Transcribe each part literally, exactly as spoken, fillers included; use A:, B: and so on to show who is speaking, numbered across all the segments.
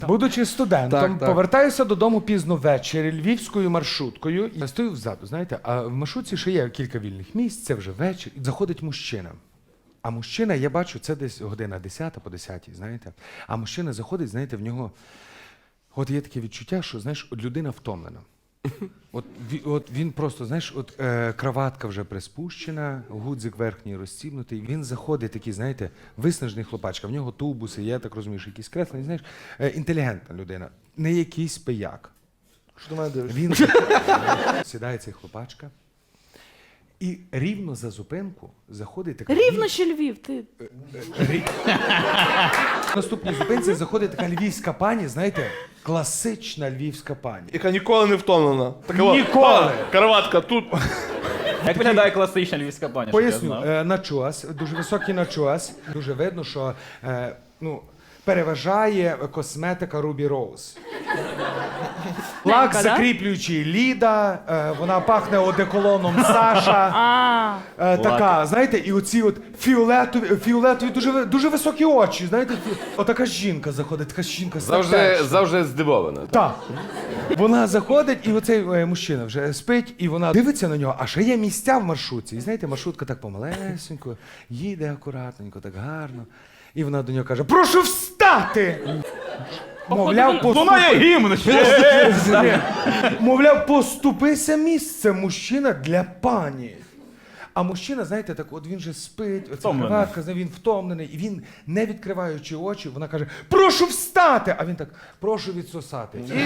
A: Будучи студентом,
B: Так, так.
A: повертаюся додому пізно ввечері львівською маршруткою. Я стою взаду, знаєте, а в маршрутці ще є кілька вільних місць, це вже вечір. І заходить мужчина. А мужчина, я бачу, це десь година десята по десятій, знаєте. А мужчина заходить, знаєте, в нього... От є таке відчуття, що, знаєш, от людина втомлена. От, ві- от він просто, знаєш, от е, краватка вже приспущена, гудзик верхній розстібнутий. Він заходить такий, знаєте, виснажений хлопачка. В нього тубуси, я так розумію, що якісь креслення, знаєш, е, інтелігентна людина, не якийсь пияк.
B: Що до мене дивишся?
A: Він сідає цей хлопачка, і рівно за зупинку заходить така...
C: Рівно ще Львів, ти.
A: Рі- В наступній зупинці заходить така львівська пані, знаєте, класична львівська пані.
B: Яка ніколи не втомлена. Така от,
A: Ніколи!
B: а, Краватка тут.
D: Як виглядає класична львівська пані? щоб я
A: Поясню,
D: знав?
A: е, начос, дуже високий начос. Дуже видно, що е, ну, переважає косметика Ruby Rose. Лак
C: да?
A: закріплюючий Ліда, е, вона пахне одеколоном Саша.
C: А,
A: Е, така, знаєте, і оці от фіолетові, фіолетові дуже, ви- дуже високі очі, знаєте, фі- отака жінка заходить, така жінка
E: Завжди,
A: статечна.
E: завжди здивована.
A: Так. Вона заходить, і оцей е, мужчина вже спить, і вона дивиться на нього, а ще є місця в маршрутці. І знаєте, маршрутка так помалесенько, їде акуратненько, так гарно. І вона до нього каже: прошу встати! Мовляв, поступи...
D: гімн!
A: Ні. Мовляв, поступися місце, мужчина, для пані. А мужчина, знаєте, так от він же спить, оця
D: Втомлений.
A: краватка, він втомлений, і він, не відкриваючи очі, вона каже: прошу встати! А він так: прошу відсосати. І...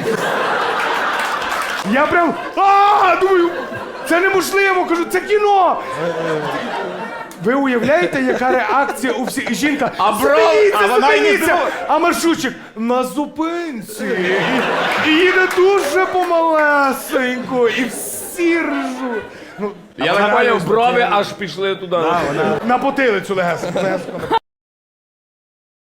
A: Я прям, а думаю, це неможливо, кажу, це кіно! Ви уявляєте, яка реакція у всіх? І жінка,
E: А бро-
A: зупиніться,
E: а вона й не
A: зупиніться! А маршрутчик на зупинці. І, і їде дуже помалесенько, і всі ржуть. Ну,
E: Я
A: а
E: так
A: вона
E: поняв,
A: реально
E: брови
A: сміється.
E: аж пішли туди.
A: На потилицю легесенько, легесенько.